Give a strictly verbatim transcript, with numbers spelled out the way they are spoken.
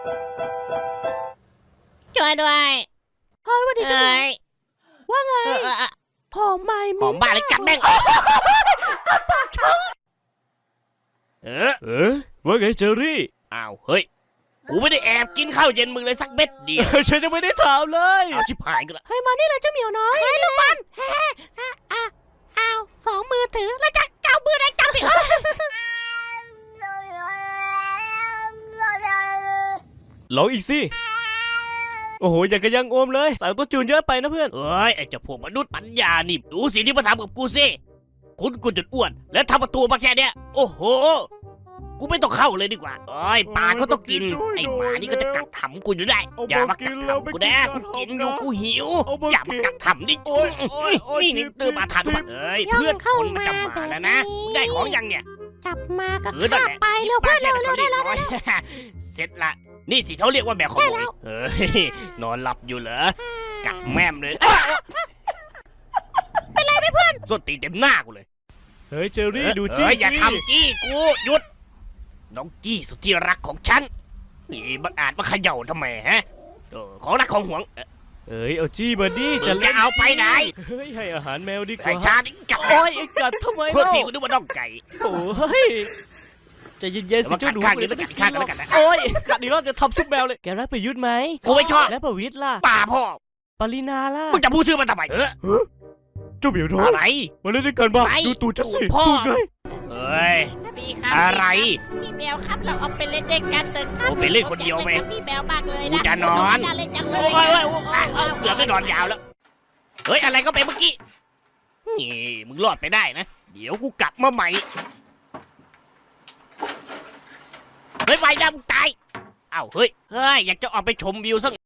ช่วยด้วยเฮ้ยวันนี้เอ้ยว่าไงเออเออเออหอมไหมหอมบ้าเลยกัดแม่งเออเออว่าไงเจอรี่อ้าวเฮ้ยกูไม่ได้แอบกินข้าวเย็นมึงเลยสักเม็ดเดียวฉันยังไม่ได้ถามเลยเอาชิบหายกันละเฮ้ยมานี่เลยเจ้าเหมียวน้อยเฮ้ยลูกบอลเฮ้อ้าวอ้าวสองมือถือแล้วจะเก้ามือได้จับสิลองอีกสิโอ้โหอย่างกับยังโอมเลยใส่ตัวจูนเยอะไปนะเพื่อนเอ้ยไอ้เจ้าพวกมนุษย์ปัญญานี่ดูสิที่มาทำกับกูสิคุณกูจนอ้วนแล้วทำประตูมาแค่เนี้ยโอ้โหกูไม่ต้องเข้าเลยดีกว่าเอ้ยปลาเขาต้องกินไอ้หมานี่ก็จะกัดหำกูอยู่ได้อย่ามากัดหำกูนะกูกินอยู่กูหิวอย่ามากัดหำดินี่นี่เติมมาทานมาเอ้ยเพื่อนคนมันจะมาแล้วนะได้ของยังเนี่ยจับมาก็เออนั่นฆ่าแหละไปเร็วเพื่อนเร็วเร็วได้แล้วร้อยเสร็จละนี่สิเขาเรียกว่าแมวขโมยเฮ้ยนอนหลับอยู่เหรอกัดแม่มเลยเป็นไรไหมเพื่อนส้นตีนเต็มหน้ากูเลยเฮ้ยเจอรี่ดูจี้เอ้ยสิอย่าทำจี้กูหยุดน้องจี้สุดที่รักของฉันนี่บังอาจมาเขย่าทำไมฮะเออของรักของหวงเออเอ้ยเอาจี้มาดิมึงจะเอาไปไหนเฮ้ยให้อาหารแมวดีกไอ้ว่าชาดิกัดโอ้ยไอ้กัดทำไมเพื่อเล่าที่กูนึกว่าน้องไก่โอ้ยใจเย็นๆสิแต่ว่าเจ้าหนูกัดข้างนี้แล้วกัดอีกข้างแล้วกันนะโอ้ยกัดอีกรอบจะทำซุปแมวเลยแกรักประยุทธ์ไหมกูไม่ชอบแล้วประวิตรล่ะป่าพ่อปรินาล่ะมึงจะพูดชื่อมันทำไมเออเจ้าเหมียวน้อยอะไรมาเล่นด้วยกันบ้างไปดูตูดฉันสิพ่อตูดไงเอ้ยพี่ครับอะไรพี่แมวครับเราเอาไปเล่นเด็กกันเถอะครับโอ้ไปเล่นคนเดียวไหมพี่แมวมากเลยกูนะจะนอนน่าเล่นจังเลโอ้ยยโอ้ยโอ้ยอ่ะเอาเกือบได้นอนยาวแล้ว เฮ้ย อะไรก็ไปเมื่อกี้ นี่ มึงรอดไปได้นะ เดี๋ยวกูกลับมาใหม่ เฮ้ยไปนะมึงตาย เอ้า เฮ้ย เฮ้ย อยากจะออกไปชมวิวสัก